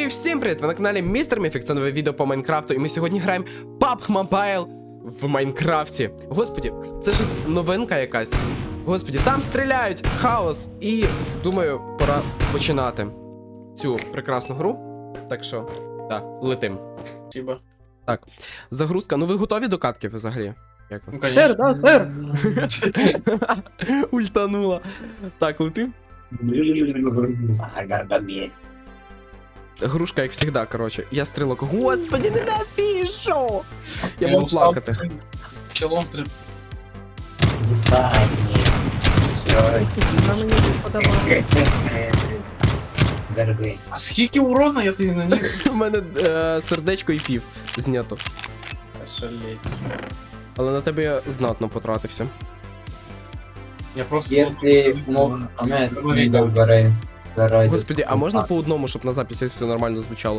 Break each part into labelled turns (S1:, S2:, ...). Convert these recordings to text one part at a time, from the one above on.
S1: І всім привіт! Ви на каналі Містер Міфік, це нове відео по Майнкрафту, і ми сьогодні граємо PUBG Mobile в Майнкрафті. Господі, це ж новинка якась. Господі, там стріляють, хаос, і думаю, пора починати цю прекрасну гру. Так що, так, летим.
S2: Спасибо.
S1: Так, загрузка. Ну ви готові до катки взагалі? Як ви?
S2: Ну, конечно.
S3: Сэр, да, сэр.
S1: Ультанула. Так, летим. Грушка, як завжди, коротше. Я стрілок. Господи, ненавижу! Я буду плакати.
S2: Челом три.
S3: Вона мені не подавала.
S2: А скільки урона я тобі наніс?
S1: У мене сердечко і пів знято.
S2: Ошалеть.
S1: Але на тебе я знатно потратився.
S2: Я просто...
S4: Если мог видео гори.
S1: Господи, а можна по одному, щоб на записі все нормально звучало?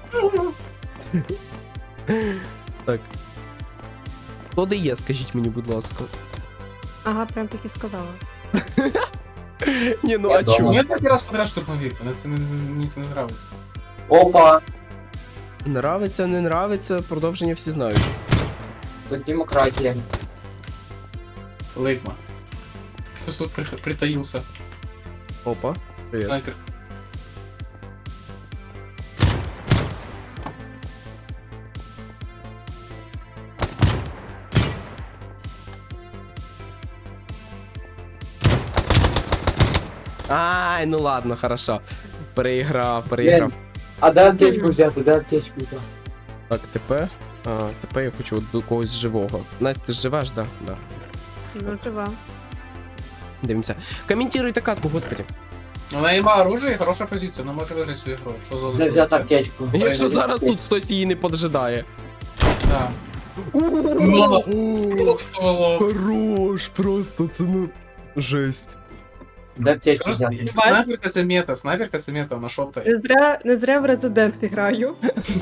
S1: Так. Хто де є, скажіть мені, будь ласка.
S3: Ага, прям так і сказала.
S1: Ні, ну
S4: Я
S1: а
S4: дома.
S1: чому?
S2: Я третій раз подряд штурмовик, мені це не нравиться.
S4: Опа!
S1: Нравиться, не нравиться, продовження всі знають.
S4: Тут демократия.
S2: Лейкма. Кто тут притаился?
S1: Опа, привіт.
S2: Снайпер.
S1: Ай, ну ладно, хорошо. Переіграв.
S4: А дай аптечку взяти, дай аптечку взяти.
S1: Так, тепер я хочу до когось живого. Настя, ти ж живеш, да? Да.
S3: Ну, жива.
S1: Дивимося. Коментуйте катку, господи.
S2: Вона има оружие і хороша позиція, вона може виграти цю ігру. Що за
S4: Дай взяти аптечку.
S1: Якщо зараз тут хтось її не поджидає.
S2: Да.
S1: Хорош, просто це ну жесть.
S4: Дай аптечку взяти.
S2: Снайперка це мета, вона шоптає.
S3: Не зря в Резидент граю.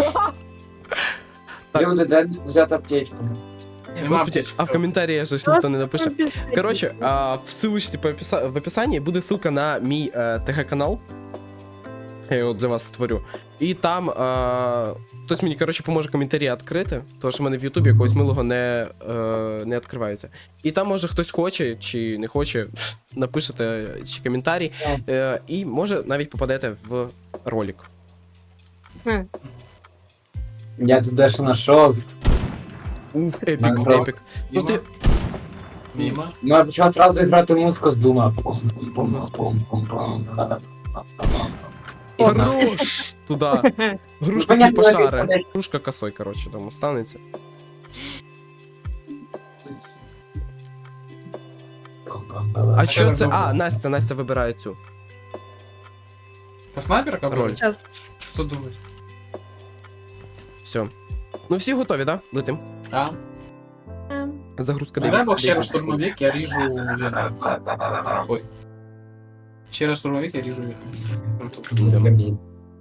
S1: Так.
S4: Люди, дай взяти аптечку.
S2: Нема
S1: Господи,
S2: аптечки.
S1: а в коментарі ж ніхто не напише. Коротше, в ссылочці в описанні буде ссылка на мій ТГ-канал. Я його для вас створю. І там хтось мені, коротше, поможе коментарі відкрити, тому що в мене в Ютубі якогось милого не відкривається. І там, може, хтось хоче чи не хоче, напишете чи коментарі, і може навіть попадете в ролик.
S4: Я тут дещо знайшов.
S1: Уф, епік,
S4: Майнкрафт.
S1: епік. Ну ти...
S2: Мимо.
S4: Ну, я почав сразу грати музику з Дума.
S1: Хорош! Туда. Грушка
S4: Ну, понятно,
S1: сліпошаре.
S4: написано.
S1: Грушка косой, коротше, там останеться. А що це? А, Настя вибирає цю
S2: Та снайперка
S1: роль.
S2: буде?
S3: Сейчас.
S2: Що думаєш?
S1: Все. Ну всі готові, да? Летим.
S2: А?
S1: Загрузка
S2: Давай бо ще раз
S1: 10 секунд.
S2: штурмовик, я ріжу Вена. Ой. Ще раз штурмовик, я ріжу Вена.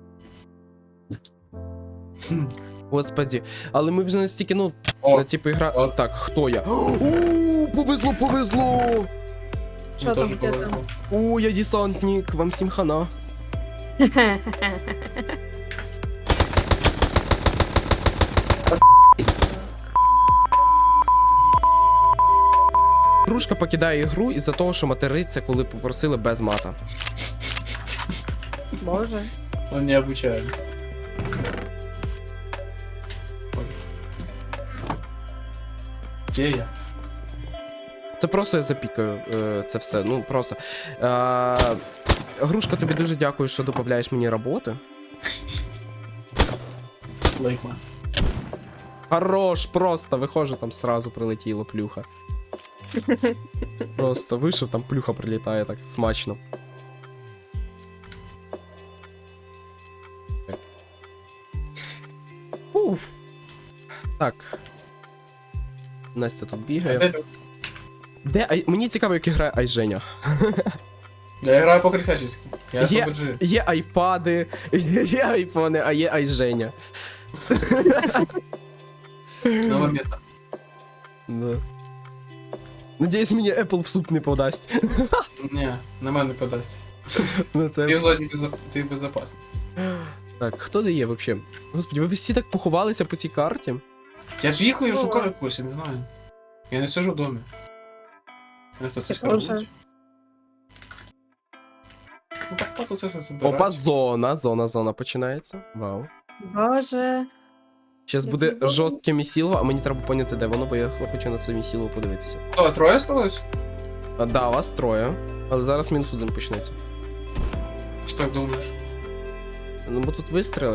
S1: Господі. Але ми вже настільки, ну,
S2: О,
S1: типу ігра...
S2: О.
S1: Так, хто я? О, повезло!
S2: мені
S3: Що там,
S2: теж
S3: де
S2: повезло.
S1: О, я десантник, вам всім хана. Грушка покидає ігру із-за того, що материться, коли попросили без мата.
S3: Боже.
S2: Он не обучає. Де я?
S1: Це просто я запікаю це все. Ну просто. Грушка, тобі дуже дякую, що додаєш мені роботи.
S2: Лейкма.
S1: Хорош, просто виходжу, там сразу прилетіло плюха. Просто вийшов, там плюха прилітає так смачно. Уф. Так. Настя тут бігає. Де мені цікаво, як грає Айженя.
S2: Я граю по-крисячески. Я
S1: Є,
S2: PUBG.
S1: є айпади, є айфони, а є Айженя.
S2: Нова мета.
S1: Да. Надіюсь, мені Apple в суп не подасть.
S2: Ні, на мене подасть.
S1: На
S2: Ти
S1: тебе.
S2: в зоні ти в безопасності.
S1: Так, хто де є вообще? Господи, ви всі так поховалися по цій карті?
S2: Я бігаю,
S3: Що?
S2: шукаю когось, я не знаю. Я не сижу в домі. Я хтось
S3: Я
S2: скаже.
S3: теж.
S2: Ну так пото це все забирать.
S1: Опа, зона починається. Вау.
S3: Боже.
S1: Зараз
S3: Я
S1: буде
S3: забула.
S1: жорстке місіло, а мені треба поняти, де воно, бо я хочу на це місіло подивитися.
S2: Що, троє осталось?
S1: А, да, вас троє, але зараз мінус один почнеться.
S2: Що так думаєш?
S1: Ну, бо тут вистріли.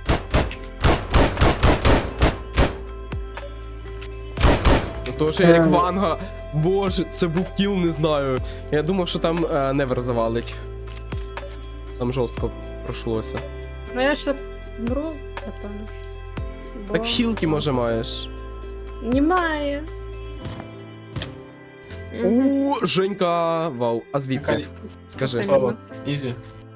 S1: Ну, то ж Ерік Ванга. Боже, це був кіл, не знаю. Я думав, що там Невер завалить. Там жорстко пройшлося.
S3: Ну я ще вмру, напевно. ж. Бо-
S1: Так хілки, може, маєш.
S3: Немає.
S1: У, Женька, вау. А звідки? Скажи.
S3: Яка-
S2: Слава, ізі.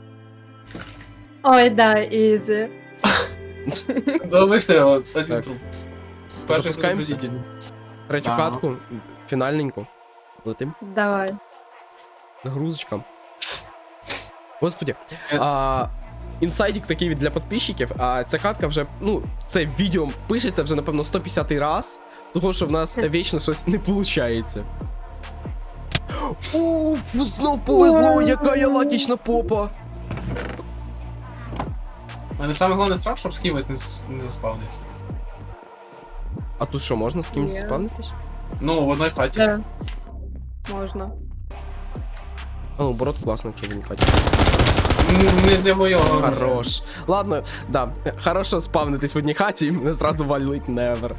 S3: Ой, да, ізі.
S2: До вистрілу, один
S1: Так.
S2: труп. Перший
S1: Запускаємося?
S2: предупредитель.
S1: Третю
S2: Ага.
S1: катку, фінальненьку. Летим.
S3: Давай.
S1: Загрузочка. Господи.
S2: Е.
S1: Інсайдик такий для підписчиків, а ця катка вже, ну, це відео пишеться вже, напевно, 150-й раз, того, що в нас вічно щось не виходить. Уф, знов повезло, яка я лакічна попа.
S2: Але саме головне страх, щоб скімет не заспавнився.
S1: А тут що, можна з кимось
S3: Ні.
S1: спавнитись?
S2: Ну, в одній хаті.
S3: Да. Можна.
S1: А ну, борот класно, якщо він хаті.
S2: Не для моєго.
S1: Хорош. Ладно, да, хорошо спавнитись в одній хаті, і мене зразу валить невер.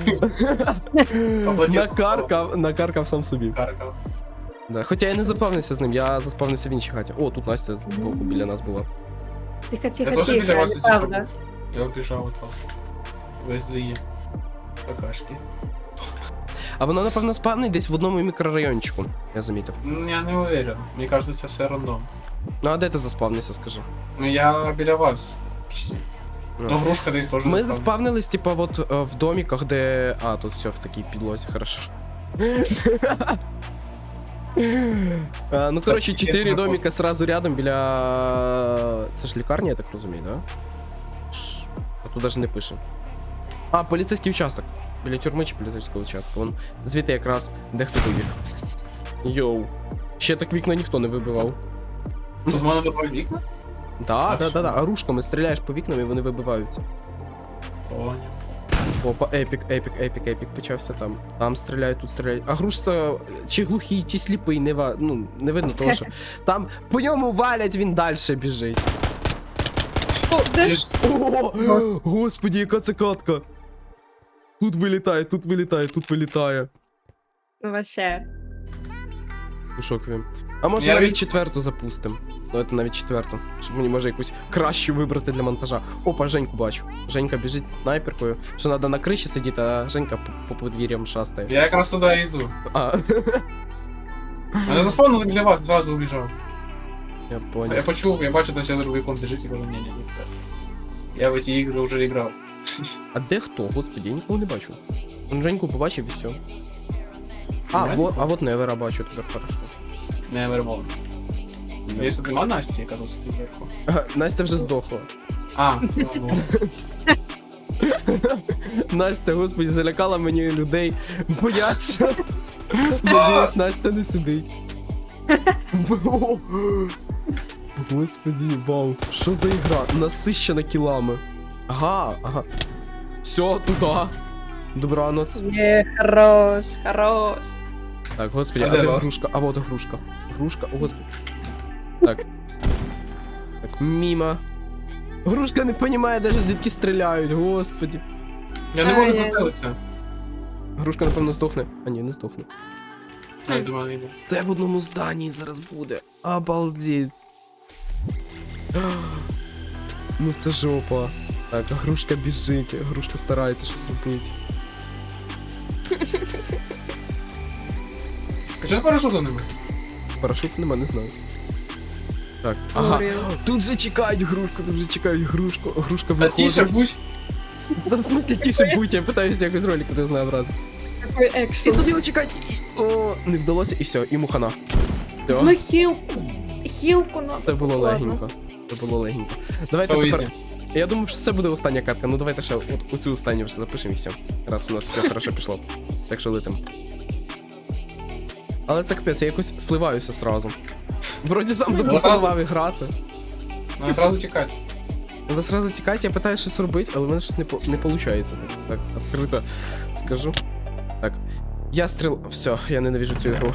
S1: Накаркав сам собі.
S2: Каркав.
S1: Да. Хоча я не запавнився з ним, я заспавнився в іншій хаті. О, тут Настя з боку біля нас була.
S3: Тихо,
S2: Я
S3: тихо,
S2: теж біля
S3: тихо,
S2: вас сидів.
S3: неправда.
S2: Я обіжав від вас. Ви злії. Какашки.
S1: А воно, напевно, спавнить десь в одному мікрорайончику, я замітив.
S2: Я не уверен. Мені кажется, це все рандом.
S1: Ну а де ти заспавнився, скажи?
S2: Ну я біля вас. Почти. Ну, грушка десь теж.
S1: Ми
S2: заспавнена.
S1: заспавнились, типа, вот в домиках, де. А, тут все в такій підлозі, хорошо. Ну, коротше, 4 домика сразу рядом біля. Це ж лікарня, я так розумію, да? А тут даже не пише. А, поліцейський участок. Біля тюрми чи поліцейського участку. Вон звідти якраз дехто вибіг. Йоу. Ще так вікна ніхто не вибивав.
S2: Тут можна добавити вікна?
S1: Да.
S2: що?
S1: А рушками стріляєш по вікнам і вони вибиваються.
S2: О,
S1: Опа, епік почався там. Там стріляють, тут стріляють. А грушка чи глухий, чи сліпий, не видно того, що. Там по ньому валять, він далі біжить.
S3: О, де?
S2: ні.
S1: О, господі, яка це катка. Тут вилітає.
S3: Ну, вообще.
S1: У шокові. А може
S2: Я
S1: навіть
S2: від-
S1: четверту запустимо. Давайте навіть четверту. Щоб мені може якусь кращу вибрати для монтажа. Опа, Женьку бачу. Женька біжить з снайперкою. Що треба на криші сидіти, а Женька по подвір'ям шастає.
S2: Я якраз туди йду.
S1: А,
S2: Мене заспавнили біля вас, зразу убіжав.
S1: я
S2: Я
S1: понял.
S2: почув, я бачу, що другий комп лежить і кажу, ні. Я в ці ігри вже грав.
S1: А де хто? Господи, я нікого не бачу. Он Женьку побачив і все. А,
S2: Нормально?
S1: вот Невера бачу тепер хорошо.
S2: Не вермон. Якщо нема Насті, я кажу, ти зверху.
S1: Ага, Настя вже здохла.
S2: А, ну,
S1: Настя, господи, залякала мені людей. Бояться. Надіюсь, Настя не сидить. Господи, вау. Що за ігра? Насищена кілами. Ага. Все, туди. Добраноц.
S3: Є, хорош, хорош.
S1: Так, господи,
S2: А
S1: а
S2: де
S1: де
S2: вас?
S1: грушка? А вот і грушка. Грушка, о господи. Так. Так, мимо. Грушка не розуміє навіть звідки стріляють, господи.
S2: я не можу
S3: Ай-яй.
S2: прострелитися.
S1: Грушка, напевно, здохне. А ні, не здохне.
S2: Я думаю, не йду.
S1: Це в одному зданні зараз буде. Обалдеть. Ну це жопа. Так, а грушка біжить, грушка старається щось робити.
S2: Чого парашуту нема?
S1: Парашуту нема, не знаю. Так, ага.
S3: Говорю.
S1: Тут же чекають грушку, грушка
S2: Та тіше
S1: виходить.
S2: будь.
S1: Та в смысле тише будь, я питаюся якось ролик разнообразити.
S3: Такий
S1: І
S3: екшн.
S1: тут його чекають. О, не вдалося, і все, і мухана. Все,
S3: Візьми хілку. Хілку надо.
S1: це було
S3: Ладно.
S1: легенько. Це було легенько. Давайте
S2: Це
S1: тепер
S2: ізі.
S1: Я думав, що це буде остання катка. Ну давайте ще от оцю останню вже запишемо і все. Раз у нас все хорошо пішло. Так що летим. Але це капець, я якось сливаюся сразу. Вроді сам запропонував грати.
S2: Надо сразу тікати.
S1: Треба сразу тікати, я питаю щось робити, але в мене щось не виходить. Так, відкрито скажу. Так. Я стріл. Все, я ненавижу цю ігру.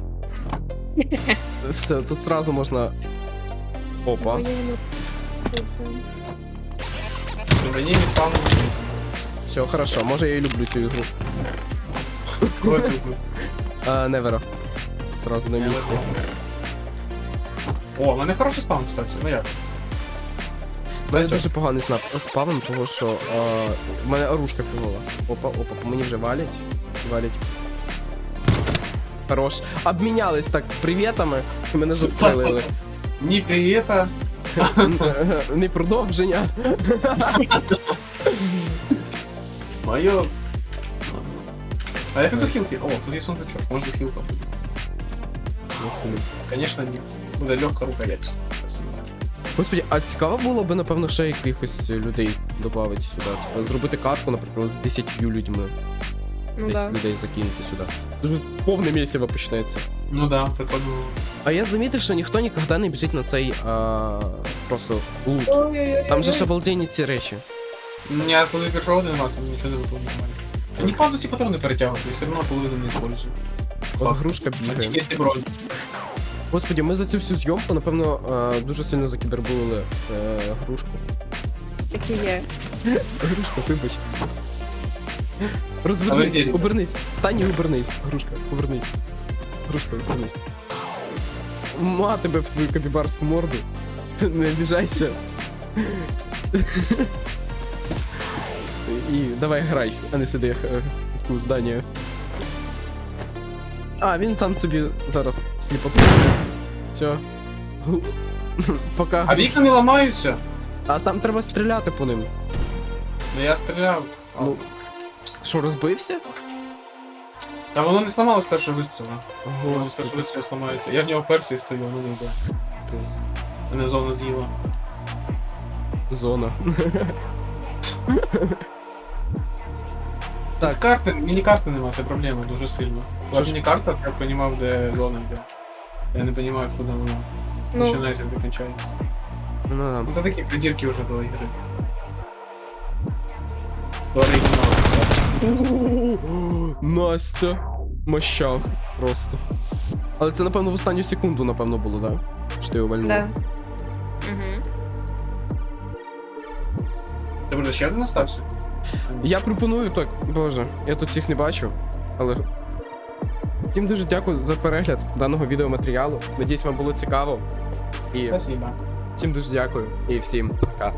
S1: Все, тут сразу можна. Опа.
S3: Воєнно. Слухаю.
S2: Мені не спавно.
S1: Все, хорошо, може я і люблю цю ігру.
S2: Кого ти любив?
S1: Невера. Сразу на місці.
S2: О, в мене хороший спаун, кстати. Ну як?
S1: У мене дуже поганий спавн, тому що в мене оружка фігова. Опа, по мені вже валять. Валять. Хорош. Обмінялись так привітами, і мене застрелили.
S2: Ні привіта.
S1: Не продовження.
S2: Моє. А як до хілки? О, тут є сундучок, може хілка.
S1: Господи.
S2: Конечно, ні. Буде легка рукоять.
S1: Господи, а цікаво було б, напевно, ще якихось людей додати сюди. Типа, зробити катку, наприклад, з 10 людьми.
S3: Ну
S1: 10
S3: да.
S1: людей закинути сюди. Дуже повне місяво почнеться.
S2: Ну да, прикольно.
S1: А я замітив, що ніхто ніколи не біжить на цей просто лут.
S3: Ой-ой-ой.
S1: Там же ж обалденні ці речі.
S2: Я коли пішов один раз, нічого не випав нормально. Они падают все патроны перетягивают, и все равно половину не использую.
S1: От грушка бігає.
S2: Если бронь.
S1: Господи, ми за цю всю зйомку, напевно, дуже сильно закібербулили грушку.
S3: Такі є.
S1: Грушка, вибачте.
S2: Але
S1: Розвернись,
S2: вірю.
S1: обернись. Стань і обернись. Грушка, повернись. Грушка, обернись. Ма тебе в твою капібарську морду. Не обіжайся. І давай грай, а не сиди в зданні. А, він там собі зараз сліпоту. Все. Пока.
S2: А вікна не ламаються?
S1: А там треба стріляти по ним.
S2: Ну я стріляв.
S1: Ну. Що, розбився?
S2: Та воно не сломалось з першого вистрілу. Воно з
S1: Господи.
S2: першого вистрілу сломається. Я в нього персий стою, воно не йде. Мене зона з'їла.
S1: Зона.
S2: Так,
S1: Так.
S2: карти, міні-карти нема, це проблема дуже сильно.
S1: Що
S2: Була
S1: ж?
S2: міні-карта, я б розумів, де зона йде. Я не розумію, куди вона
S3: Ну,
S2: починається, де кінчається.
S1: Ну да.
S2: Ну, це такі придірки вже до ігри. До оригіналу.
S1: Настя. Мощав. Просто. Але це, напевно, в останню секунду, напевно, було, да? Що ти його вальнула?
S3: да. Угу.
S2: Ти вже ще один остався?
S1: Я пропоную так, боже, я тут всіх не бачу, але. Всім дуже дякую за перегляд даного відеоматеріалу. Надіюсь, вам було цікаво. І
S2: Спасибо.
S1: всім дуже дякую і всім пока.